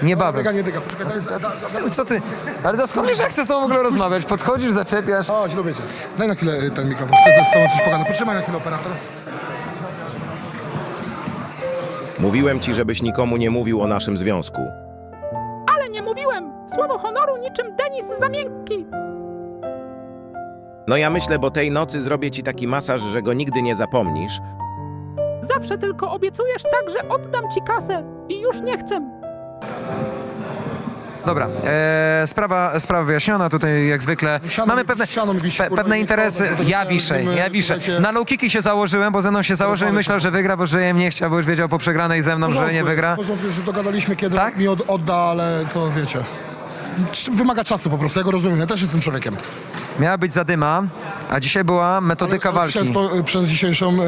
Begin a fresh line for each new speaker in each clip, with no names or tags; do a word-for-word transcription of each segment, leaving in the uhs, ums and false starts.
niebawem.
Dyga, nie dyga, poczekaj, daj, daj, daj, daj.
Co ty? Ale to skąd wiesz, jak chcesz z tobą w ogóle rozmawiać? Podchodzisz, zaczepiasz.
Chodź, lubię cię. Daj na chwilę ten mikrofon, chcę z tobą coś pogadać. Potrzymaj na chwilę, operator.
Mówiłem ci, żebyś nikomu nie mówił o naszym związku.
Ale nie mówiłem! Słowo honoru niczym Denis za miękki!
No ja myślę, bo tej nocy zrobię ci taki masaż, że go nigdy nie zapomnisz.
Zawsze tylko obiecujesz tak, że oddam ci kasę i już nie chcę.
Dobra, e, sprawa, sprawa wyjaśniona, tutaj jak zwykle
Siano
mamy
mi-
pewne,
siano mi wisi,
pe,
kurwa,
pewne
nie
interesy,
chcę, bo to
ja
nie-
wiszę,
nie-
ja wiszę.
słuchajcie-
Na low kicki się założyłem, bo ze mną się założył i myślał, że wygra, bo że jem nie chciał, bo już wiedział po przegranej ze mną, że nie wygra.
W porządku, że dogadaliśmy, kiedy
Tak?
mi od, odda, ale to wiecie. Cz- Wymaga czasu po prostu, ja go rozumiem, ja też jestem człowiekiem.
Miała być zadyma, a dzisiaj była metodyka walki.
Przez, to, przez dzisiejszą ym,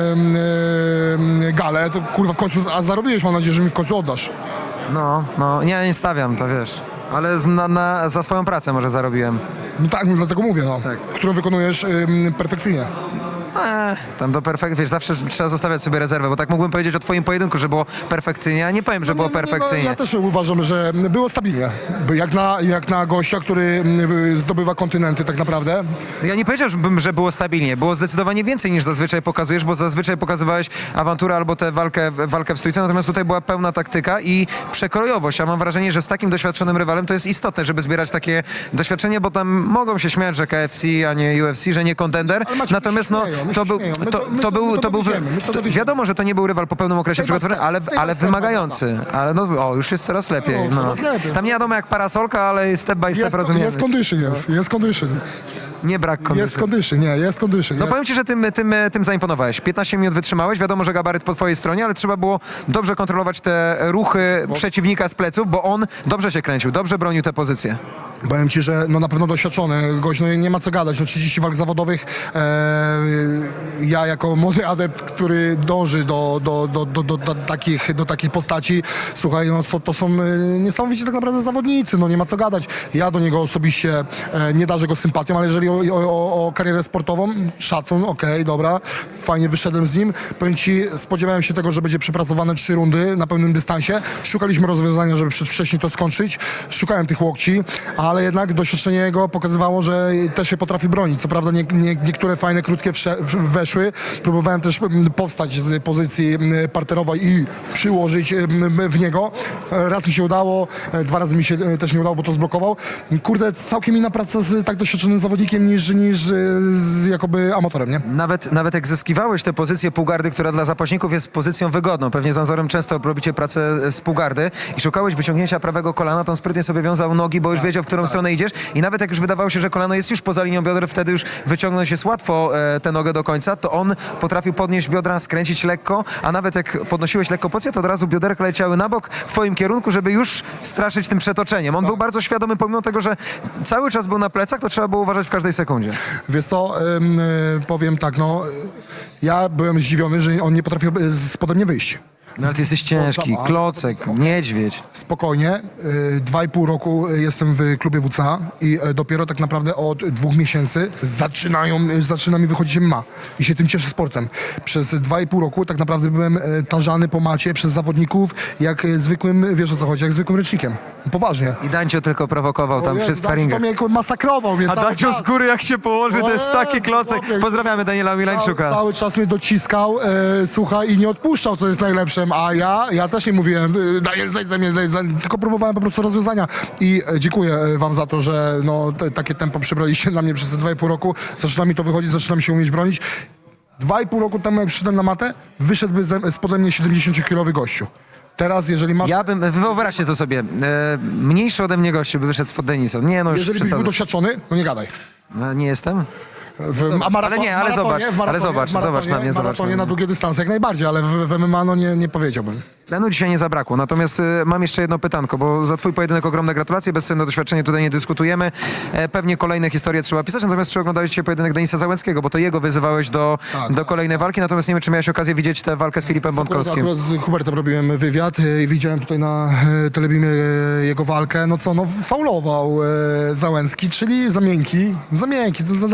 ym, galę, to kurwa w końcu z- a zarobiłeś, mam nadzieję, że mi w końcu oddasz.
No, no, nie, nie stawiam, to wiesz. Ale z- na, na, za swoją pracę może zarobiłem.
No tak, no, dlatego mówię, no.
Tak.
Którą wykonujesz ym, perfekcyjnie.
Eee, tam do perfekcji, wiesz, zawsze trzeba zostawiać sobie rezerwę, bo tak mógłbym powiedzieć o twoim pojedynku, że było perfekcyjnie, a nie powiem, że było
No, no, no,
perfekcyjnie.
ja też uważam, że było stabilnie. By Jak na, jak na gościa, który ym, zdobywa kontynenty tak naprawdę.
Ja nie powiedziałbym, że było stabilnie. Było zdecydowanie więcej niż zazwyczaj pokazujesz, bo zazwyczaj pokazywałeś awanturę albo tę walkę, walkę w stójce, natomiast tutaj była pełna taktyka i przekrojowość. Ja mam wrażenie, że z takim doświadczonym rywalem to jest istotne, żeby zbierać takie doświadczenie, bo tam mogą się śmiać, że K F C, a nie U F C, że nie kontender.
Ale Maciek,
Natomiast
my
no,
się śmieją, my
to
się
był,
śmieją. My
to,
to- my
to
to-
był,
my to
to był,
dowieziemy, my to
to,
dowieziemy.
wiadomo, że to nie był rywal po pełnym okresie
Step by
przygotowany,
step,
ale,
step by
ale
step,
wymagający. Ale no, o, już jest coraz lepiej.
No,
No.
coraz lepiej.
Tam nie wiadomo jak parasolka, ale step by step
Jest,
rozumiemy.
jest condition, jest, jest condition.
Nie brak
Jest
kondycji.
condition, nie, jest condition.
No
nie?
powiem ci, że tym, tym, tym zaimponowałeś. piętnaście minut wytrzymałeś, wiadomo, że gabaryt po twojej stronie, ale trzeba było dobrze kontrolować te ruchy przeciwnika z pleców, bo on dobrze się kręcił, dobrze bronił te pozycje.
Powiem ci, że no na pewno doświadczony gość, no nie ma co gadać, no trzydzieści walk zawodowych. E, ja jako młody adept, który dąży do, do, do, do, do, do, takich, do takich postaci, słuchaj, no so- to są e, niesamowici tak naprawdę zawodnicy, no nie ma co gadać. Ja do niego osobiście e, nie darzę go sympatią, ale jeżeli o, o, o karierę sportową, szacun, okej, dobra, fajnie wyszedłem z nim. Powiem ci, spodziewałem się tego, że będzie przepracowane trzy rundy na pełnym dystansie. Szukaliśmy rozwiązania, żeby przedwcześnie to skończyć. Szukałem tych łokci, ale jednak doświadczenie jego pokazywało, że też się potrafi bronić. Co prawda nie, nie, niektóre fajne, krótkie wsze, w- weszły. Próbowałem też mm, powstać z pozycji mm, parterowej i przyłożyć mm, w niego. Raz mi się udało, e, dwa razy mi się e, też nie udało, bo to zblokował. Kurde, całkiem inna praca z tak doświadczonym zawodnikiem niż, niż e, z jakoby amatorem, nie?
Nawet, nawet jak zyskiwałeś tę pozycję półgardy, która dla zapaśników jest pozycją wygodną, pewnie z Anzorem często robicie pracę z półgardy i szukałeś wyciągnięcia prawego kolana, to on sprytnie sobie wiązał nogi, bo już wiedział, w którą stronę idziesz i nawet jak już wydawało się, że kolano jest już poza linią bioder, wtedy już wyciągnąć jest łatwo e, tę nogę do końca, to on potrafił podnieść biodra, skręcić lekko, a nawet jak podnosiłeś lekko pozycję, to od razu bioderka leciały na bok w twoim kierunku, żeby już straszyć tym przetoczeniem. On był bardzo świadomy, pomimo tego, że cały czas był na plecach, to trzeba było uważać w każdej sekundzie.
Wiesz co, ym, y, powiem tak, no, y, ja byłem zdziwiony, że on nie potrafił y, spode mnie wyjść.
No ale ty jesteś ciężki,
Sama.
klocek, niedźwiedź.
Spokojnie, y, dwa i pół roku jestem w klubie W C A i y, dopiero tak naprawdę od dwóch miesięcy zaczynają, y, zaczyna mi wychodzić M M A i się tym cieszę sportem. Przez dwa i pół roku tak naprawdę byłem y, tarzany po macie przez zawodników jak y, zwykłym, wiesz o co chodzi, jak zwykłym ręcznikiem. Poważnie.
I Dancio tylko prowokował tam przy
To
sparingach.
mnie masakrował. Mnie
A
cały
Dancio
czas.
z góry jak się położy, to jest taki
Jezu,
klocek.
chłopie.
Pozdrawiamy Daniela
Cały,
Milańczuka.
cały czas mnie dociskał, e, słuchaj, i nie odpuszczał, co jest najlepszym, a ja, ja też nie mówiłem, e, Daniel, zejdź ze mnie, zejdź ze mnie, tylko próbowałem po prostu rozwiązania. I e, dziękuję e, wam za to, że no, te, takie tempo przybraliście na mnie przez te dwa i pół roku. Zaczyna mi to wychodzić, zaczynam się umieć bronić. Dwa i pół roku temu, jak przyszedłem na matę, wyszedłby ze, spode mnie siedemdziesięciokilowy gościu. Teraz, jeżeli masz...
Ja bym, wyobraźcie to sobie, e, mniejszy ode mnie gościu by wyszedł spod Denisa. Nie no, już
jeżeli byś był
przesadzę.
doświadczony, no nie gadaj.
No, nie jestem?
W, a maraton,
Ale nie, ale
maratonie,
zobacz,
w maratonie,
ale zobacz,
w maratonie,
zobacz na mnie,
w
zobacz
maratonie
na
na
mnie.
długie dystanse jak najbardziej, ale w, w M M A no nie, nie powiedziałbym.
Tlenu dzisiaj nie zabrakło, natomiast e, mam jeszcze jedno pytanko, bo za twój pojedynek ogromne gratulacje, bezcenne doświadczenie, tutaj nie dyskutujemy. E, pewnie kolejne historie trzeba pisać, natomiast czy oglądałeś dzisiaj pojedynek Denisa Załęckiego, bo to jego wyzywałeś do,
Tak.
do kolejnej walki, natomiast nie wiem, czy miałeś okazję widzieć tę walkę z Filipem Bątkowskim.
Akurat z Hubertem robiłem wywiad e, i widziałem tutaj na e, telebimie e, jego walkę. No co, no faulował e, Załęcki, czyli za miękki. Za miękki, to zadali za miękkie.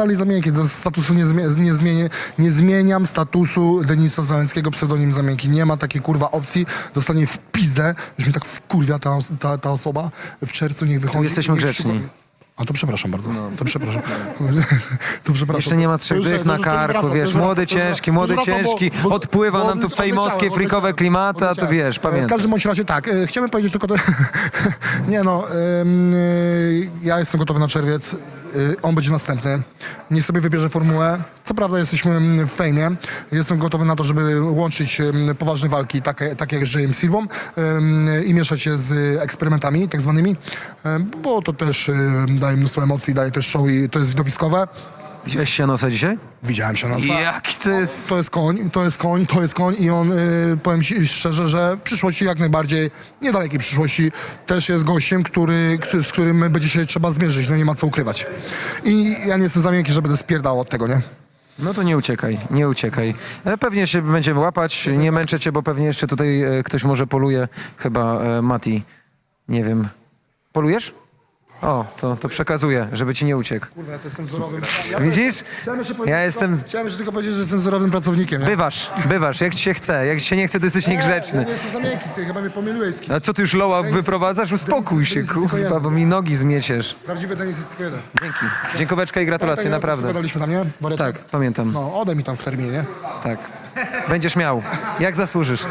takiego statusu nie, zmie, nie, zmienię, nie zmieniam statusu Denisa Załęckiego, pseudonim Zamienki. Nie ma takiej kurwa opcji. Dostanie w pizdę, już mi tak wkurwia ta, os- ta, ta osoba. W czerwcu niech wychodzi.
jesteśmy
niech
grzeczni.
szuka- A to przepraszam bardzo. To przepraszam. to przepraszam.
Jeszcze nie ma trzech
To już-
dych
to
na
już- to już
karku,
wracam, to
wiesz,
już wracam,
młody,
to już
ciężki,
wracam,
młody,
to już wracam, bo-
ciężki,
bo-
odpływa
bo
nam tu
odleciałem,
fejmowskie, frikowe
odleciałem,
klimaty, a to
odleciałem.
wiesz,
W
pamiętam.
każdym bądź razie tak, e, chciałem powiedzieć tylko to, nie no, ym, y, ja jestem gotowy na czerwiec, y, on będzie następny, niech sobie wybierze formułę, co prawda jesteśmy mm, w fejmie, jestem gotowy na to, żeby łączyć ym, poważne walki, takie, takie jak z Jayem Silvą ym, i mieszać je z eksperymentami tak zwanymi, ym, bo to też ym, daje mnóstwo emocji, daje też show i to jest widowiskowe.
Widziałeś Sianosa dzisiaj?
Widziałem się na
Jaki to jest...
to jest koń, to jest koń, to jest koń i on, y, powiem ci szczerze, że w przyszłości jak najbardziej, niedalekiej przyszłości, też jest gościem, który, który, z którym będzie się trzeba zmierzyć, no nie ma co ukrywać. I ja nie jestem za miękki, że będę spierdał od tego, nie?
No to nie uciekaj, nie uciekaj. E, Pewnie się będziemy łapać, nie męczę cię, bo pewnie jeszcze tutaj e, ktoś może poluje, chyba e, Mati, nie wiem. Polujesz? O, to, to przekazuję, żeby ci nie uciekł.
Kurwa, ja to jestem wzorowym.
Widzisz?
Chciałem jeszcze
Ja
powiedzieć
jestem...
tylko, chciałem jeszcze tylko powiedzieć, że jestem wzorowym pracownikiem, nie?
Bywasz, bywasz, jak ci się chce, jak ci się nie chce, to jesteś
Ja
niegrzeczny.
nie jestem za miękki, ty chyba mnie pomyliłeś z kim.
A co ty już loła wyprowadzasz? Uspokój się,
Denis jest tylko
kurwa,
jeden.
bo mi nogi zmieciesz.
Prawdziwy Denis jest tylko jeden.
Dzięki. Dziękoweczka i gratulacje,
Pamiętaj,
naprawdę.
Gadaliśmy tam, nie? Wariatek?
Tak, pamiętam.
No, odej mi tam w terminie, nie?
Tak. Będziesz miał. Jak zasłużysz.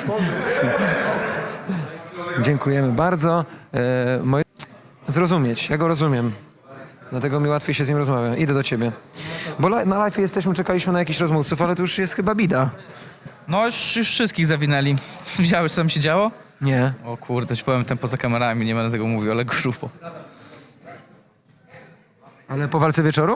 Dziękujemy bardzo. E, moje... Zrozumieć, ja go rozumiem. Dlatego mi łatwiej się z nim rozmawia. Idę do ciebie. Bo li- na live jesteśmy, czekaliśmy na jakichś rozmówców, ale to już jest chyba bida.
No już, już wszystkich zawinęli. Widziałeś, co tam się działo?
Nie.
O kurde, ci powiem ten poza kamerami, nie będę tego mówił, ale grubo.
Ale po walce wieczoru?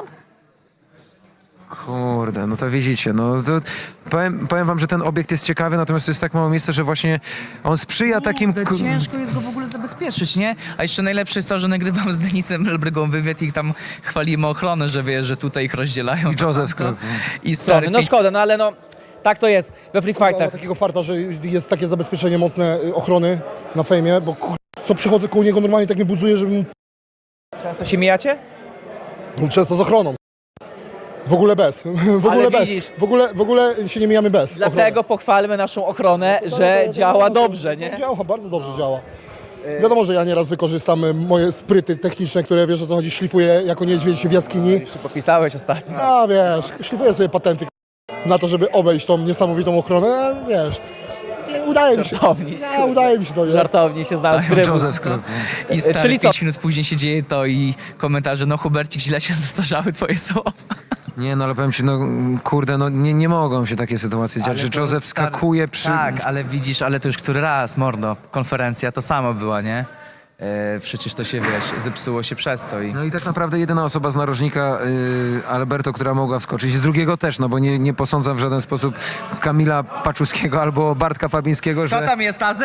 Kurde, no to widzicie, no to powiem, powiem wam, że ten obiekt jest ciekawy, natomiast to jest tak mało miejsca, że właśnie on sprzyja takim...
Kurde,
ku-
ciężko jest go w ogóle zabezpieczyć, nie? A jeszcze najlepsze jest to, że nagrywam z Denisem Elbrygą wywiad i tam chwalimy ochronę, że wiesz, że tutaj ich rozdzielają.
I Joseph
to-
Skrok.
I
strony.
stary,
No szkoda, no ale no tak to jest we free
Ma
fightach.
takiego farta, że jest takie zabezpieczenie mocne y, ochrony na fejmie, bo kur... co przychodzę koło niego normalnie tak mnie budzuje, żebym
To się mijacie?
no, często z ochroną. W ogóle bez. W ogóle
Ale
bez.
widzisz.
W ogóle, w ogóle się nie mijamy bez.
Dlatego pochwalmy naszą ochronę, że działa dobrze, nie?
Działa, bardzo dobrze działa. Wiadomo, że ja nieraz wykorzystam y, moje spryty techniczne, które wiesz o co chodzi, szlifuję jako niedźwiedź w jaskini.
Już się podpisałeś ostatnio.
A wiesz, szlifuję sobie patenty na to, żeby obejść tą niesamowitą ochronę, a, wiesz. Nie, udaje mi się.
Żartowniś,
Nie, udaje mi się to, nie?
Żartownie się znalazł
Joseph
grybus.
Skrok.
I stary,
Czyli co?
pięć minut później się dzieje to i komentarze, no Hubercik, źle się zestarzały twoje słowa.
Nie, no ale powiem ci, no kurde, no nie, nie mogą się takie sytuacje dziać, że
to
Joseph
stary-
skakuje przy...
Tak, ale widzisz, ale to już który raz, mordo, konferencja to samo była, nie? E, przecież to się, wiesz, zepsuło się przez to i...
No i tak naprawdę jedyna osoba z narożnika, y, Alberto, która mogła wskoczyć. Z drugiego też, no bo nie, nie posądzam w żaden sposób Kamila Paczuskiego albo Bartka Fabińskiego,
Kto
że...
tam jest, Tazy?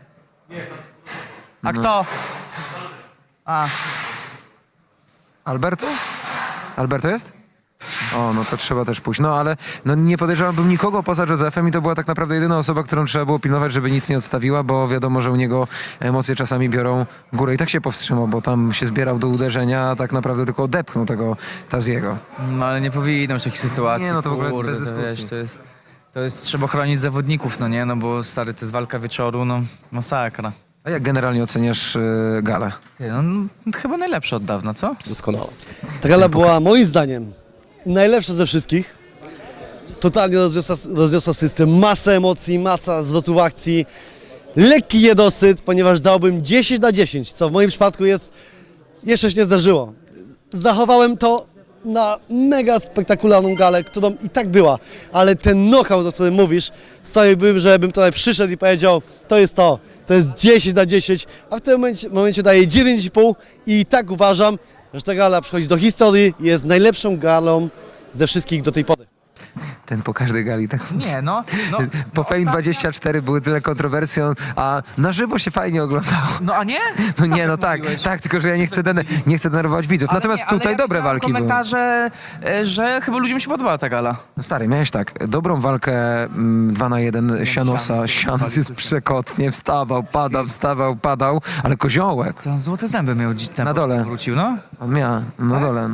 A kto? A,
Alberto? Alberto jest? O, no to trzeba też pójść. No ale no, nie podejrzewałbym nikogo poza Josephem i to była tak naprawdę jedyna osoba, którą trzeba było pilnować, żeby nic nie odstawiła, bo wiadomo, że u niego emocje czasami biorą górę. I tak się powstrzymał, bo tam się zbierał do uderzenia, a tak naprawdę tylko odepchnął tego Taziego.
no ale nie powinno być takich sytuacji.
Nie, no to w ogóle
kurde,
bez
to
dyskusji.
wiesz, to jest, to jest, trzeba chronić zawodników, no nie? No bo stary, to jest walka wieczoru, no masakra.
A jak generalnie oceniasz y, galę?
Ty, no, no, chyba najlepsze od dawna, co?
Doskonała. Ta gala była moim zdaniem najlepsza ze wszystkich. Totalnie rozwiosła, rozwiosła system, masa emocji, masa zwrotów akcji, lekki niedosyt, ponieważ dałbym dziesięć na dziesięć, co w moim przypadku jest, jeszcze się nie zdarzyło. Zachowałem to na mega spektakularną galę, którą i tak była, ale ten knockout, o którym mówisz, chciałbym, żebym tutaj przyszedł i powiedział, to jest to, to jest dziesięć na dziesięć, a w tym momencie, momencie daję dziewięć i pół i tak uważam, że ta gala przychodzi do historii i jest najlepszą galą ze wszystkich do tej pory.
Ten po każdej gali tak...
Nie, no. no
Po Fame dwadzieścia cztery były tyle kontrowersji, a na żywo się fajnie oglądało.
no a nie?
No
Co
nie,
ty
no tak,
mówiłeś?
tak, tylko że ja nie chcę, den- nie chcę denerwować widzów.
Ale
Natomiast
nie, ale
tutaj
ja
dobre
widziałem
walki były.
komentarze, e, że chyba ludziom się podobała ta gala.
No stary, miałeś tak, dobrą walkę mm, dwa na jeden Sianosa. Sianos jest przekotnie, wstawał, padał, wstawał, padał, ale koziołek,
To on złote zęby miał dziś
Na dole.
Wrócił, no.
on miał na dole, no.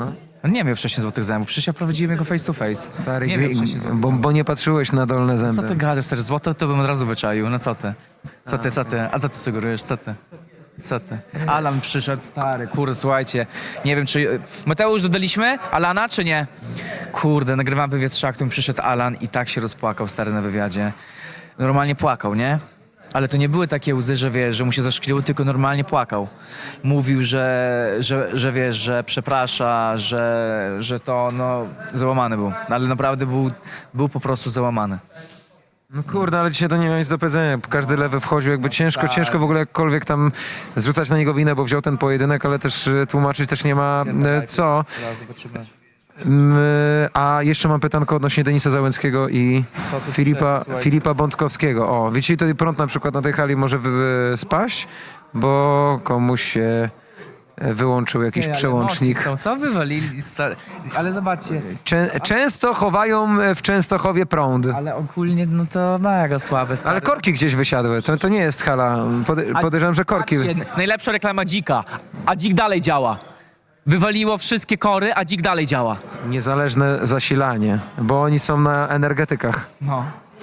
On nie miał wcześniej złotych zębów, przecież ja prowadziłem jego face to face.
Stary,
nie
gry-
miał wcześniej złotych
bo,
zębów.
bo nie patrzyłeś na dolne zęby.
Co ty gadasz, też złoto to bym od razu wyczaił, no co ty? Co ty, co ty? A co ty sugerujesz, co ty? Co ty? Alan przyszedł, stary, kurde, słuchajcie, nie wiem czy... Mateusz, dodaliśmy Alana, czy nie? Kurde, nagrywam wywiad z Szaktą, przyszedł Alan i tak się rozpłakał, stary, na wywiadzie. Normalnie płakał, nie? Ale to nie były takie łzy, że wiesz, że mu się zaszkliło, tylko normalnie płakał. Mówił, że, że, że wiesz, że przeprasza, że, że to, no, załamany był. Ale naprawdę był, był po prostu załamany.
No kurde, ale dzisiaj to nie miał nic do powiedzenia. Każdy lewy wchodził, jakby ciężko,
Tak.
ciężko w ogóle jakkolwiek tam zrzucać na niego winę, bo wziął ten pojedynek, ale też e, tłumaczyć też nie ma e, co.
Zaraz zobaczymy.
Mm, A jeszcze mam pytanko odnośnie Denisa Załęckiego i
Co tu
Filipa,
przyszedł, słuchajcie?
Filipa Bątkowskiego. O, wiecie, tutaj prąd na przykład na tej hali może wy, wy, spaść, bo komuś się e, wyłączył jakiś
Ej, ale
przełącznik.
mocni są, co wywalili? Stary... Ale zobaczcie,
Czę, często chowają e, w Częstochowie prąd.
ale ogólnie no to mega słabe, stary.
Ale korki gdzieś wysiadły. To, to nie jest hala. Pode,
A-
podejrzewam, że korki.
Patrzcie, najlepsza reklama Dzika, a Dzik dalej działa. Wywaliło wszystkie kory, a Dzik dalej działa.
Niezależne zasilanie, bo oni są na energetykach.
No.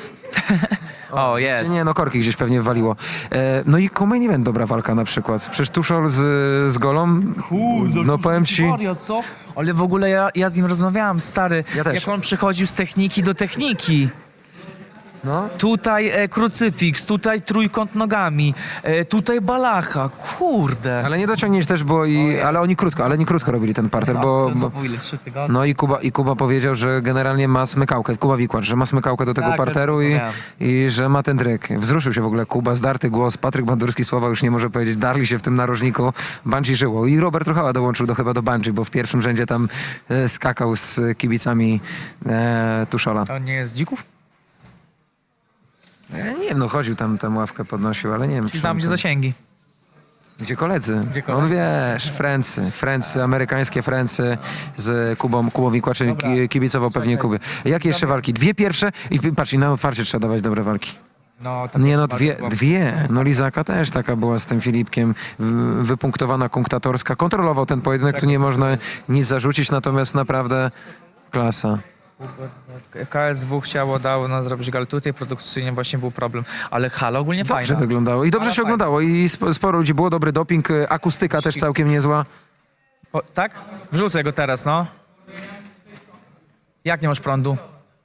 O, jest.
Nie, no korki gdzieś pewnie waliło. E, no i co-main event, dobra walka na przykład. Przecież Tuszol z, z Golą, no powiem ci...
Mario, co? Ale w ogóle ja, ja z nim rozmawiałam, stary.
Ja też.
Jak on przychodził z techniki do techniki.
No.
Tutaj e, krucyfiks, tutaj trójkąt nogami, e, tutaj balacha, kurde.
Ale nie dociągnięć też było i... Ale oni krótko, ale nie krótko robili ten parter, bo...
to,
bo
to ile, trzy tygodnie?
no i Kuba, i Kuba powiedział, że generalnie ma smykałkę, Kuba Wikłacz, że ma smykałkę do tego
Tak,
parteru
też
i,
zrozumiałem.
i że ma ten tryk. Wzruszył się w ogóle Kuba, zdarty głos, Patryk Bandurski słowa już nie może powiedzieć, darli się w tym narożniku, Bungie żyło. I Robert Ruchała dołączył do, chyba do Bungie, bo w pierwszym rzędzie tam e, skakał z kibicami e, Tuszola.
A on nie jest dzików?
Ja nie wiem, no chodził tam, tam ławkę podnosił, ale nie wiem. czy
Tam
on
gdzie
to-
zasięgi.
Gdzie koledzy?
Gdzie koledzy?
On wiesz, Francy, Francy, amerykańskie Francy z Kubą, Kubą Wikłaczem, ki- kibicował pewnie Kubie. Jakie jeszcze walki? Dwie pierwsze i patrz, i na otwarcie trzeba dawać dobre walki.
No, ta
Nie no,
pierwsza
dwie,
walka była-
dwie. No Lizaka też taka była z tym Filipkiem, w- wypunktowana kunktatorska. Kontrolował ten pojedynek, tu nie można nic zarzucić, natomiast naprawdę klasa.
K S W chciało, dało nas zrobić gal tutaj, produkcyjnie właśnie był problem, ale hala ogólnie
Dobrze
fajna.
wyglądało i dobrze
Ale
się
fajna.
oglądało i sp- sporo ludzi było, dobry doping, y, akustyka też całkiem niezła.
O, tak? Wrzucę go teraz, no. Jak nie masz prądu?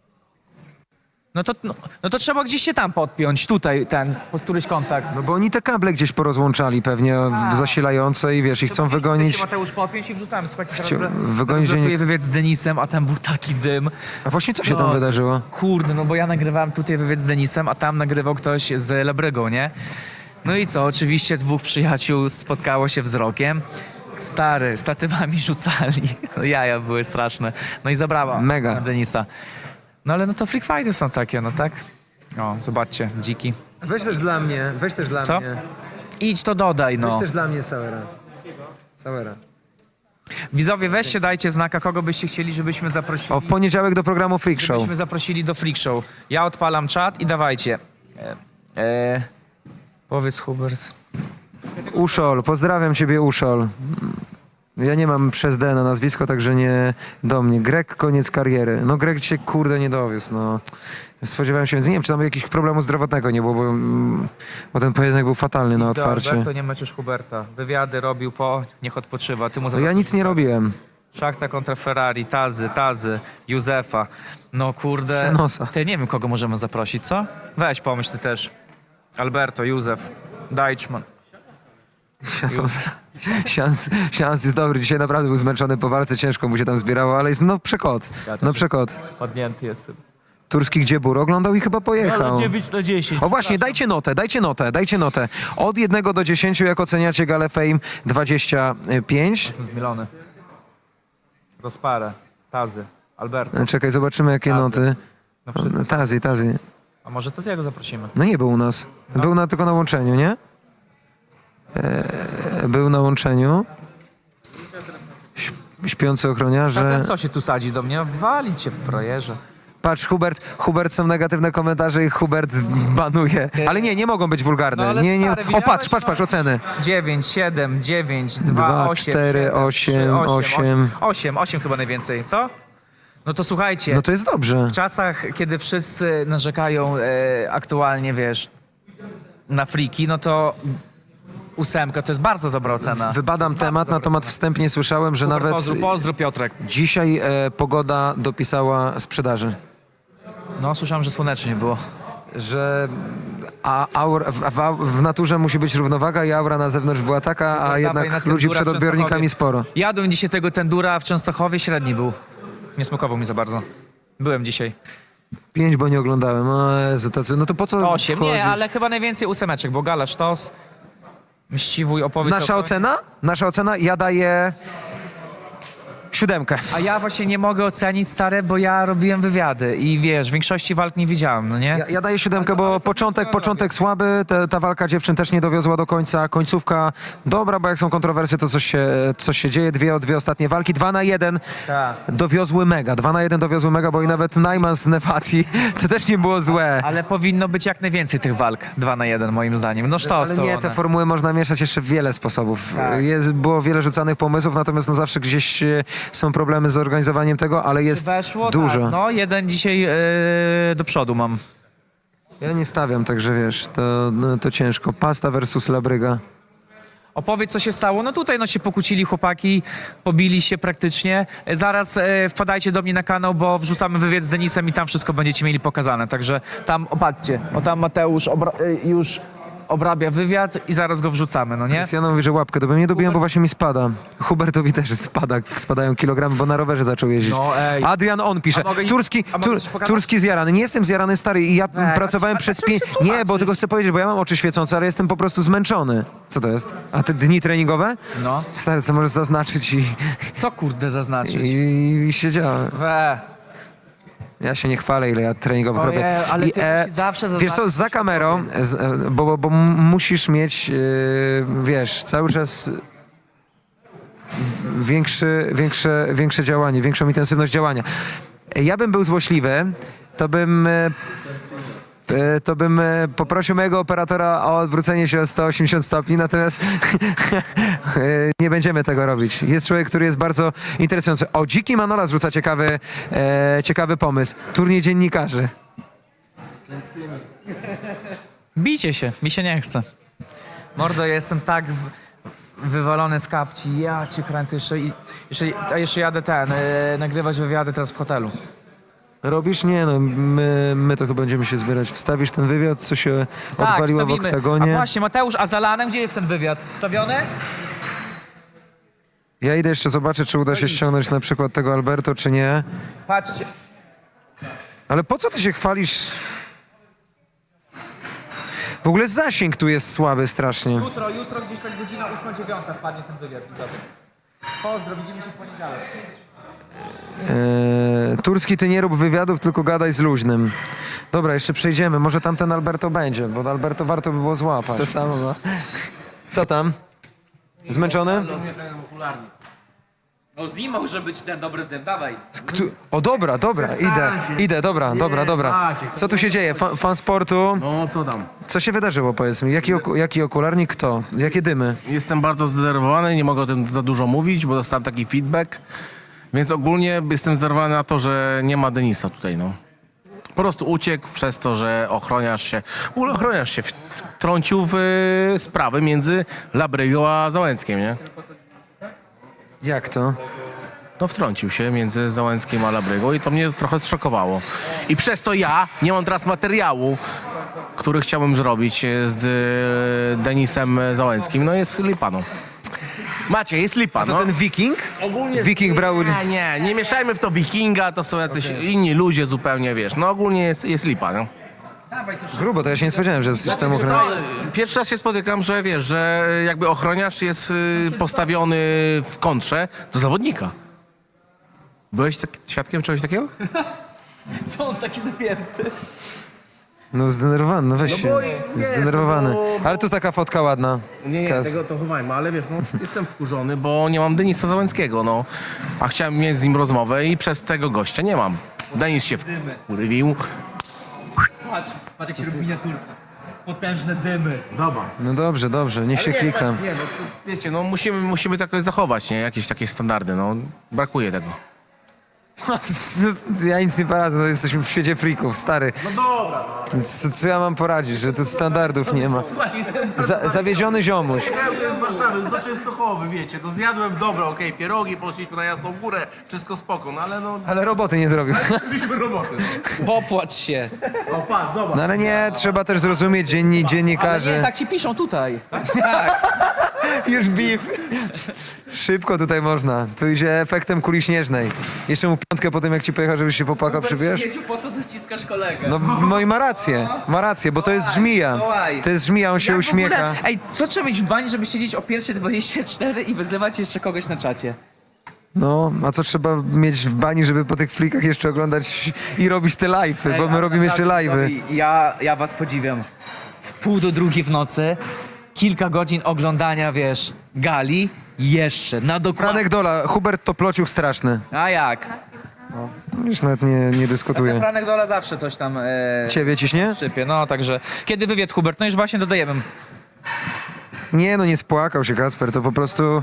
No to, no, no to trzeba gdzieś się tam podpiąć, tutaj ten, pod któryś kontakt.
No bo oni te kable gdzieś porozłączali pewnie w- zasilające i wiesz, i chcą wygonić.
Mateusz podpiąć i wrzucamy. Słuchajcie, teraz,
Chciał-
teraz
wygonić
wylatuję
dziennik-
wywiad z Denisem, a tam był taki dym.
A właśnie co się tam
No,
wydarzyło?
Kurde, no bo ja nagrywałem tutaj wywiad z Denisem, a tam nagrywał ktoś z Lebrygą, nie? No i co, oczywiście dwóch przyjaciół spotkało się wzrokiem. Stary, statywami rzucali. No jaja były straszne. No i zabrała
Mega.
Denisa. No ale no to freak fighty są takie, no tak? O, zobaczcie, dziki.
Weź też dla mnie, weź też dla
Co?
mnie.
Idź to dodaj, no.
dla mnie Sauera. Sauera.
Widzowie, weźcie, dajcie znaka, kogo byście chcieli, żebyśmy zaprosili.
O, w poniedziałek do programu Freak Show.
Żebyśmy zaprosili do Freak Show. Ja odpalam czat i dawajcie. E, e, powiedz, Hubert.
Uszol, pozdrawiam ciebie Uszol. Ja nie mam przez D na nazwisko, także nie do mnie. Grek, koniec kariery. No Grek się kurde nie dowiózł, no. Spodziewałem się, więc nie wiem, czy tam jakiegoś problemu zdrowotnego nie było, bo, mm, bo ten pojedynek był fatalny na otwarcie.
To nie meczesz Huberta. Wywiady robił po, niech odpoczywa. Ty mu
No ja nic nie robiłem.
Szachta kontra Ferrari, Tazy, Tazy, Józefa. No kurde.
Przenosa.
Ty nie wiem, kogo możemy zaprosić, co? Weź pomyśl ty też. Alberto, Józef, Deichmann.
Sians, sians jest dobry, dzisiaj naprawdę był zmęczony po walce, ciężko mu się tam zbierało, ale jest no przekot, no przekot.
Padnięty jestem.
Turski Gdziebur oglądał i chyba pojechał.
dziewięć na dziesięć.
O właśnie, dajcie notę, dajcie notę, dajcie notę. Od jednego do dziesięciu, jak oceniacie Galę Fame dwadzieścia pięć.
Jestem zmielony. Rozparę, Tazy, Alberto.
Czekaj, zobaczymy jakie
Tazy.
noty.
No wszyscy.
Tazi, Tazi.
A może to z jego zaprosimy?
No nie był u nas. Był na, tylko na łączeniu, nie? E, był na łączeniu. Śp- Śpiący ochroniarze.
Ten co się tu sadzi do mnie? Walić cię w frajerze.
Patrz, Hubert, Hubert, są negatywne komentarze i Hubert banuje. Ale nie, nie mogą być wulgarne.
No ale
nie, nie.
stary,
O,
widziałeś?
patrz, patrz, patrz, oceny.
dziewięć, siedem, dziewięć, dwa,
Dwa,
osiem,
cztery,
siedem,
osiem,
trzy,
osiem.
osiem, osiem chyba najwięcej, co? No to słuchajcie,
No to jest dobrze.
w czasach, kiedy wszyscy narzekają e, aktualnie, wiesz, na friki, no to ósemka to jest bardzo dobra ocena.
Wybadam temat, na temat wstępnie słyszałem, że
Super,
nawet
Pozdrów, pozdrów Piotrek.
dzisiaj e, pogoda dopisała sprzedaży.
No, słyszałem, że słonecznie było.
Że a, aur, w, w, w naturze musi być równowaga i aura na zewnątrz była taka, a
Dawaj na
jednak
ten
ludzi
dura w
przed odbiornikami
Częstochowie.
sporo.
Jadłem dzisiaj tego tendura w Częstochowie, średni był. Nie smakował mi za bardzo. Byłem dzisiaj.
Pięć, bo nie oglądałem. O Jezu, tacy, no to po co
Osiem, nie,
wchodzisz?
ale chyba najwięcej ósemeczek, bo gala, sztos, mściwój, opowieść.
Nasza
o-
ocena? Nasza ocena? Ja daję siódemkę.
A ja właśnie nie mogę ocenić, stare, bo ja robiłem wywiady i wiesz, większości walk nie widziałem, no nie?
Ja, ja daję siódemkę, bo początek, początek słaby, te, ta walka dziewczyn też nie dowiozła do końca, końcówka dobra, bo jak są kontrowersje, to coś się, coś się dzieje, dwie, dwie ostatnie walki, dwa na jeden
Tak.
dowiozły mega, dwa na jeden dowiozły mega, bo i nawet Najman z Nevati, to też nie było złe.
Ale powinno być jak najwięcej tych walk, dwa na jeden moim zdaniem. No sztos
Ale
są
nie,
one.
te formuły można mieszać jeszcze w wiele sposobów.
Tak.
Jest, było wiele rzucanych pomysłów, natomiast no zawsze gdzieś e, są problemy z organizowaniem tego, ale jest
Weszło,
dużo.
tak, no jeden dzisiaj yy, do przodu mam.
Ja nie stawiam, także wiesz, to, no, to ciężko. Pasta versus Labryga.
Opowiedz, co się stało. No tutaj no się pokłócili chłopaki, pobili się praktycznie. E, Zaraz e, wpadajcie do mnie na kanał, bo wrzucamy wywiad z Denisem i tam wszystko będziecie mieli pokazane. Także tam, opatrzcie, o tam Mateusz obra- e, już obrabia wywiad i zaraz go wrzucamy, no nie?
Krystiano mówi, że łapkę dobiłem. Nie dobiłem, bo właśnie mi spada. Hubertowi też spada, spadają kilogramy, bo na rowerze zaczął jeździć.
No, ej.
Adrian on pisze.
A mogę im-
Turski,
a mogę
tur,
coś pokazać?
turski zjarany. Nie jestem zjarany, stary, i ja
a
pracowałem
czy- a
przez
czym
pięć...
się tłumaczysz?
Nie, bo tylko chcę powiedzieć, bo ja mam oczy świecące, ale jestem po prostu zmęczony. Co to jest? A te dni treningowe?
No.
Stary, co możesz zaznaczyć i,
Co kurde zaznaczyć?
i, i siedziałem.
We.
Ja się nie chwalę, ile ja treningowych
Ojej,
robię.
ale
I,
ty musisz zawsze
wiesz co,
zaznaczyć,
za
co się
kamerą, z, e, bo, bo, bo m- musisz mieć, e, wiesz, cały czas większy, większe, większe działanie, większą intensywność działania. Ja bym był złośliwy, to bym... e, e, To bym e, poprosił mojego operatora o odwrócenie się o sto osiemdziesiąt stopni, natomiast e, nie będziemy tego robić. Jest człowiek, który jest bardzo interesujący. O, Dziki Manola zrzuca ciekawy, e, ciekawy pomysł. Turniej dziennikarzy.
Bijcie się, mi się nie chce. Mordo, ja jestem tak w- wywalony z kapci. Ja cię kręcę jeszcze, i- jeszcze, a jeszcze jadę ten, e, nagrywać wywiady teraz w hotelu.
Robisz? Nie no, my, my to chyba będziemy się zbierać. Wstawisz ten wywiad, co się odwaliło w
wstawimy.
oktagonie.
A właśnie, Mateusz, a za Lanem gdzie jest ten wywiad? Wstawiony?
Ja idę jeszcze zobaczyć, czy uda się ściągnąć na przykład tego Alberto, czy nie.
Patrzcie.
Ale po co ty się chwalisz? W ogóle zasięg tu jest słaby strasznie.
Jutro, jutro gdzieś tak godzina ósma dziewiąta wpadnie ten wywiad. Pozdro, widzimy się w poniedziałek.
Eee, Turski, ty nie rób wywiadów, tylko gadaj z luźnym. Dobra, jeszcze przejdziemy. Może tam ten Alberto będzie, bo Alberto warto by było złapać. To samo, no. Co tam? Zmęczony?
No z nim może być ten dobry dym, dawaj.
Ktu- O dobra, dobra, idę, idę, dobra, dobra, dobra. Co tu się dzieje? Fan, fan sportu?
No co tam?
Co się wydarzyło, powiedz mi? Jaki, oku, jaki okularnik, kto? Jakie dymy?
Jestem bardzo zdenerwowany, nie mogę o tym za dużo mówić, bo dostałem taki feedback. Więc ogólnie jestem zdenerwowany na to, że nie ma Denisa tutaj, no. Po prostu uciekł przez to, że ochroniarz się, w ogóle ochroniarz się w- wtrącił w y, sprawy między Labrygą a Załęckiem, nie?
Jak to?
No wtrącił się między Załęckim a Labrygą i to mnie trochę zszokowało. I przez to ja nie mam teraz materiału, który chciałbym zrobić z y, Denisem Załęckim. No jest lipa, no. Macie, jest lipa,
To
no.
ten Wiking?
Ogólnie
Wiking brał udział.
Nie, nie, nie mieszajmy w to Wikinga, to są jacyś inni ludzie zupełnie, wiesz. No ogólnie jest, jest lipa, no.
Grubo, to ja się nie spodziewałem, że jesteś tam ochroniarzem.
Pierwszy raz się spotykam, że wiesz, że jakby ochroniarz jest y, postawiony w kontrze do zawodnika. Byłeś tak, świadkiem czegoś takiego?
Co on taki napięty?
No zdenerwowany, no weź się.
bo nie,
Zdenerwowany.
no bo-
Ale tu taka fotka ładna.
Nie, nie,
Kas.
tego to chowajmy, ale wiesz, no jestem wkurzony, bo nie mam Denisa Załęckiego, no. A chciałem mieć z nim rozmowę i przez tego gościa nie mam. Denis się wkurwił.
Patrz, patrz jak się robi miniaturka. Potężne dymy.
Zobacz.
No dobrze, dobrze, niech się klika.
Nie, no to, wiecie, no musimy, musimy to jakoś zachować, nie? Jakieś takie standardy, no. Brakuje tego.
Ja nic nie poradzę, no jesteśmy w świecie freaków, stary. No dobra. Co, co ja mam poradzić, że tu standardów nie ma. Za, zawiedziony ziomuś.
Ja z Warszawy, do Częstochowy, wiecie, to zjadłem dobre, okej, pierogi, poszliśmy na Jasną Górę, wszystko spoko, no ale no,
Ale roboty nie zrobił.
mieliśmy roboty.
Popłacz się.
O, patrz, zobacz.
No ale nie, trzeba też zrozumieć dzienni,
Ale
dziennikarzy.
nie, tak ci piszą tutaj.
Już beef. Szybko tutaj można. Tu idzie efektem kuli śnieżnej. Jeszcze mu piątkę po tym, jak ci pojechał, żebyś się popłakał, przybierz?
Śmieciu, po co ty ściskasz kolegę?
No, no i ma rację, ma rację, bo to jest żmija.
Wołaj.
To jest żmija, on się
Jak w
uśmiecha.
ogóle- Ej, co trzeba mieć w bani, żeby siedzieć o pierwszej dwadzieścia cztery i wyzywać jeszcze kogoś na czacie?
No, a co trzeba mieć w bani, żeby po tych flikach jeszcze oglądać i robić te live'y, bo
Ej,
my
ale
robimy jeszcze
naprawdę,
live'y.
sorry, Ja, ja was podziwiam. W pół do drugiej w nocy, kilka godzin oglądania, wiesz, gali, jeszcze, na dokładnie.
Franek Dola, Hubert to plociuch straszny.
A jak?
Już nawet nie, nie
Ten
dyskutuję.
Franek Dola zawsze coś tam e,
Ciebie ciśnie?
szczypie, no także. Kiedy wywiad, Hubert? No już właśnie dodajemy.
Nie, no nie spłakał się Kacper, to po prostu...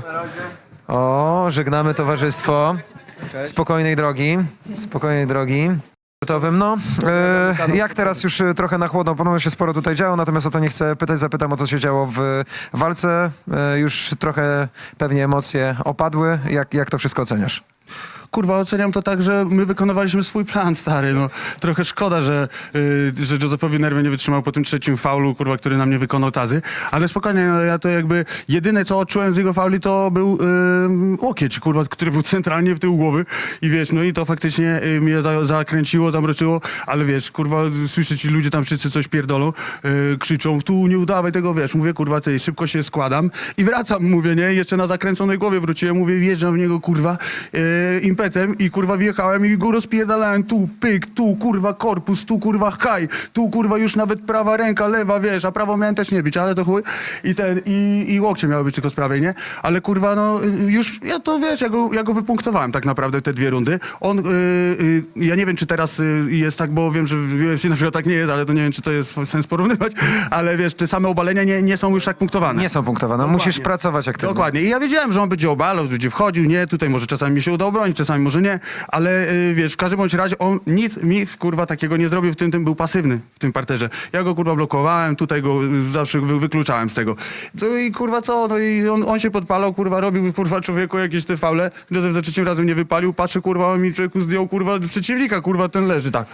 O, żegnamy towarzystwo. Spokojnej drogi, spokojnej drogi. Sportowym, no. E, jak teraz już e, trochę na chłodno, ponownie się sporo tutaj działo, natomiast o to nie chcę pytać, zapytam o co się działo w walce. E, już trochę pewnie emocje opadły. Jak, jak to wszystko oceniasz?
Kurwa, oceniam to tak, że my wykonywaliśmy swój plan, stary, no. Trochę szkoda, że, y, że Józefowi nerwy nie wytrzymał po tym trzecim faulu, kurwa, który nam nie wykonał tazy. Ale spokojnie, no, ja to jakby, jedyne co odczułem z jego fauli to był y, łokieć, kurwa, który był centralnie w tył głowy. I wiesz, no i to faktycznie y, mnie za, zakręciło, zamroczyło, ale wiesz, kurwa, słyszę ci ludzie tam wszyscy coś pierdolą, y, krzyczą, tu nie udawaj tego, wiesz, mówię, kurwa, ty, szybko się składam i wracam, mówię, nie, jeszcze na zakręconej głowie wróciłem, mówię, wjeżdżam w niego, kurwa, y, impetem i kurwa wjechałem i go rozpierdalałem tu, pyk, tu kurwa korpus, tu kurwa haj, tu kurwa już nawet prawa ręka, lewa, wiesz, a prawo miałem też nie bić, ale to chuj i ten, i, i łokcie miały być tylko z prawej, nie? Ale kurwa no już, ja to wiesz, ja go, ja go wypunktowałem tak naprawdę te dwie rundy. On, y, y, ja nie wiem czy teraz y, jest tak, bo wiem, że w U F C na przykład tak nie jest, ale to nie wiem czy to jest sens porównywać, ale wiesz, te same obalenia nie, nie są już tak punktowane.
Nie są punktowane, musisz pracować aktywnie.
Dokładnie. I ja wiedziałem, że on będzie obalał, będzie wchodził, nie, tutaj może czasami mi się uda obronić, czasami może nie, ale y, wiesz, w każdym bądź razie on nic mi kurwa takiego nie zrobił, w tym, tym był pasywny w tym parterze. Ja go kurwa blokowałem, tutaj go y, zawsze wy, wykluczałem z tego. No i kurwa co, no i on, on się podpalał, kurwa robił kurwa człowieku jakieś te faule, Józef za trzecim razem nie wypalił, patrzę kurwa, on mi człowieku zdjął kurwa przeciwnika, kurwa ten leży, tak.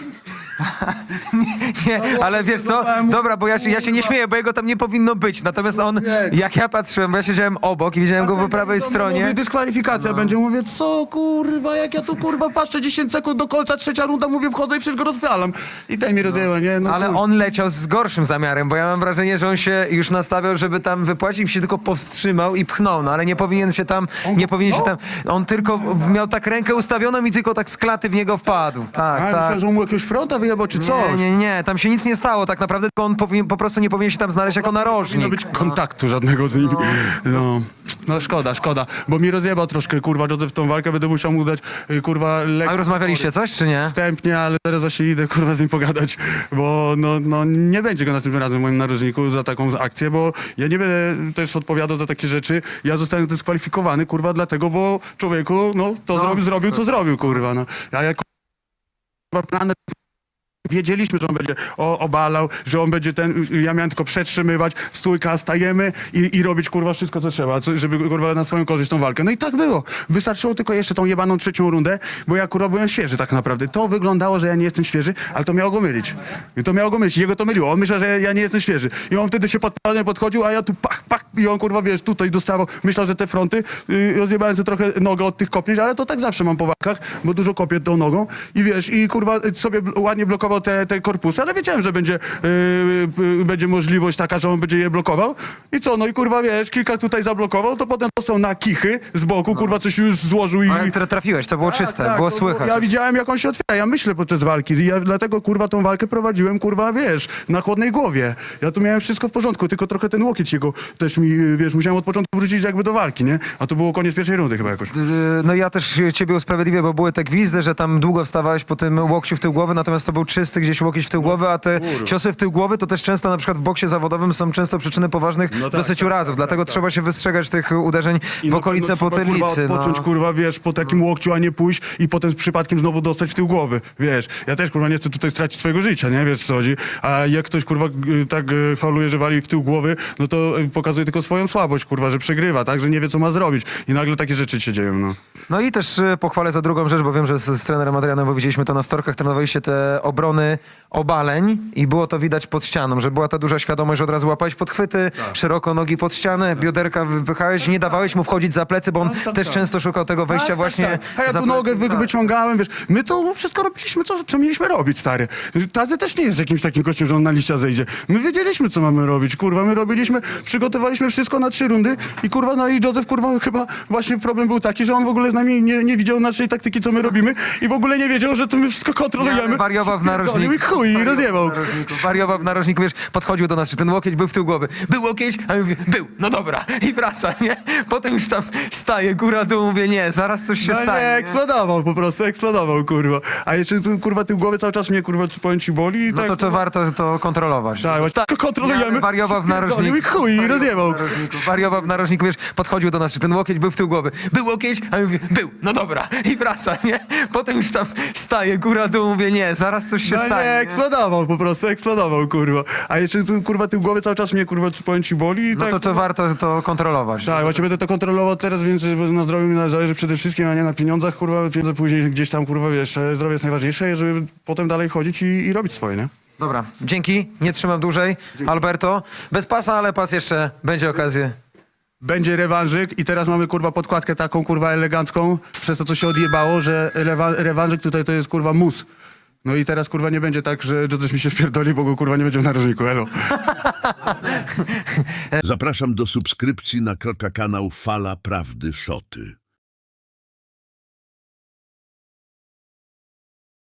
Nie, ale wiesz co? Dobra, bo ja się, ja się nie śmieję, bo jego tam nie powinno być. Natomiast on, jak ja patrzyłem, bo ja siedziałem obok i widziałem go po prawej stronie.
Mówię, dyskwalifikacja będzie, mówię, co kurwa, jak ja tu kurwa patrzę dziesięć sekund do końca, trzecia runda, mówię, wchodzę i wszystko rozwalam. I ten mi rozjęła, nie? No,
Ale
chuj.
on leciał z gorszym zamiarem, bo ja mam wrażenie, że on się już nastawiał, żeby tam wypłacić i się tylko powstrzymał i pchnął, no ale nie powinien się tam, nie powinien się tam, on tylko miał tak rękę ustawioną i tylko tak z klaty w niego wpadł. Tak,
A,
tak.
myślałem, że on mu jakiegoś fronta wyjebał, czy coś.
Nie, nie, nie, tam się nic nie stało tak naprawdę, tylko on powinien, po prostu nie powinien się tam znaleźć jako
Nie powinno
narożnik.
być kontaktu żadnego z nim. No. no szkoda, szkoda, bo mi rozjebał troszkę, kurwa, Józef tą walkę, będę musiał mu dać, y, kurwa, lekko.
A rozmawialiście coś, czy nie?
Wstępnie, ale teraz właśnie idę, kurwa, z nim pogadać, bo no, no nie będzie go następnym razem w moim narożniku za taką akcję, bo ja nie będę też odpowiadał za takie rzeczy. Ja zostałem zdyskwalifikowany, kurwa, dlatego, bo człowieku, no, to
No,
zrobił, zrobił, co zrobił, kurwa, no. A jak kurwa, plany wiedzieliśmy, że on będzie o, obalał, że on będzie ten, ja miałem tylko przetrzymywać, stójka, stajemy i, i robić kurwa wszystko, co trzeba, co, żeby kurwa na swoją korzyść tą walkę. No i tak było. Wystarczyło tylko jeszcze tą jebaną trzecią rundę, bo ja kurwa byłem świeży tak naprawdę. To wyglądało, że ja nie jestem świeży, ale to miało go mylić. I to miało go mylić. Jego to myliło. On myślał, że ja nie jestem świeży. I on wtedy się podpalnie podchodził, a ja tu pach, pach i on kurwa, wiesz, tutaj dostawał. Myślał, że te fronty, yy, rozjebałem sobie trochę nogę od tych kopnięć, ale to tak zawsze mam po walkach, bo dużo kopię tą nogą i wiesz, i kurwa sobie bl- ładnie blokował blokował te, te korpusy, ale wiedziałem, że będzie, yy, yy, będzie możliwość taka, że on będzie je blokował. I co, no i kurwa, wiesz, kilka tutaj zablokował, to potem dostał na kichy z boku, kurwa, coś już złożył i...
Ale tra- trafiłeś, to było
Tak,
czyste,
tak,
było
to
słychać.
Ja widziałem, jak on się otwiera, ja myślę podczas walki i ja dlatego, kurwa, tą walkę prowadziłem, kurwa, wiesz, na chłodnej głowie. Ja tu miałem wszystko w porządku, tylko trochę ten łokieć jego też mi, wiesz, musiałem od początku wrócić jakby do walki, nie? A to było koniec pierwszej rundy chyba jakoś.
Yy, No ja też ciebie usprawiedliwię, bo były te gwizdy, że tam długo wstawałeś po tym łokciu w tył głowy, natomiast to był czysty gdzieś łokieć w tył głowy, a te ciosy w tył głowy to też często na przykład w boksie zawodowym są często przyczyny poważnych
tak,
dosyć urazów, dlatego trzeba się wystrzegać tych uderzeń
I
w
na
okolice
pewno trzeba,
potylicy.
Kurwa, odpocząć,
no.
kurwa, wiesz, po takim łokciu, a nie pójść i potem z przypadkiem znowu dostać w tył głowy, wiesz. Ja też, kurwa, nie chcę tutaj stracić swojego życia, nie? Wiesz, co chodzi. A jak ktoś, kurwa, g- tak e, fauluje, że wali w tył głowy, no to e, pokazuje tylko swoją słabość, kurwa, że przegrywa, tak? Że nie wie, co ma zrobić. I nagle takie rzeczy się dzieją, no.
No i też y, pochwalę za drugą rzecz, bo wiem, że z, z trenerem Adrianem, bo widzieliśmy to na storkach, trenowaliście te obrony obaleń i było to widać pod ścianą, że była ta duża świadomość, że od razu łapałeś podchwyty, szeroko nogi pod ścianę, bioderka wypychałeś, nie dawałeś mu wchodzić za plecy, bo on też często szukał tego wejścia właśnie
Tak, tak. A ja
za
tu nogę
plecy.
wy,
Tak.
wyciągałem, wiesz. My to wszystko robiliśmy, co, co mieliśmy robić, stary. Tazy też nie jest jakimś takim gościem, że on na liścia zejdzie. My wiedzieliśmy, co mamy robić, kurwa. My robiliśmy, przygotowaliśmy wszystko na trzy rundy i kurwa, no i Józef, kurwa, chyba właśnie problem był taki, że on w ogóle z nami nie, nie widział naszej taktyki, co my robimy i w ogóle nie wiedział, że to my wszystko kontrolujemy.
Wariował w narożniku.
I chuj, i rozjebał.
Wariował w narożniku, wiesz, podchodził do nas, czy ten łokieć był w tył głowy. Był łokieć? A ja mówię, był, no dobra. I wraca, nie? Potem już tam staje, góra dół, mówię, nie, zaraz coś się
No
stanie.
nie,
nie?
eksplodował po prostu, eksplodował, kurwa. A jeszcze, tu, kurwa, tył głowy cały czas mnie, kurwa, powiem ci boli i
No
tak...
to, to warto to kontrolować.
Tak, właśnie tak, kontrolujemy.
Wariował w narożniku.
I chuj, i rozjebał.
Wariował w narożniku, wiesz, podchodził do nas, czy ten łokieć był w tył głowy. Był łokieć? A ja mówię, był, no dobra. I wraca, nie? Potem już tam staje, góra dół, mówię, nie, zaraz coś się
No
stanie.
nie,
nie?
eksplodował po prostu, eksplodował, kurwa. A jeszcze, tu, kurwa, tył głowy cały czas mnie, kurwa, powiem ci boli i
No
tak...
to, to warto to kontrolować.
Tak, właśnie będę to kontrolował teraz, więc na zdrowiu mi zależy przede wszystkim, a nie na pieniądzach, kurwa. Pieniądze później gdzieś tam, kurwa, wiesz, zdrowie jest najważniejsze, żeby potem dalej chodzić i, i robić swoje, nie?
Dobra, dzięki, nie trzymam dłużej. Alberto, bez pasa, ale pas jeszcze będzie okazję.
Będzie rewanżyk i teraz mamy, kurwa, podkładkę taką, kurwa, elegancką, przez to, co się odjebało, że rewa rewanżyk tutaj to jest, kurwa, mus. No i teraz, kurwa, nie będzie tak, że Józef mi się wpierdoli, bo go, kurwa, nie będzie w narożniku, elo.
Zapraszam do subskrypcji na Kroka kanał Fala Prawdy Szoty.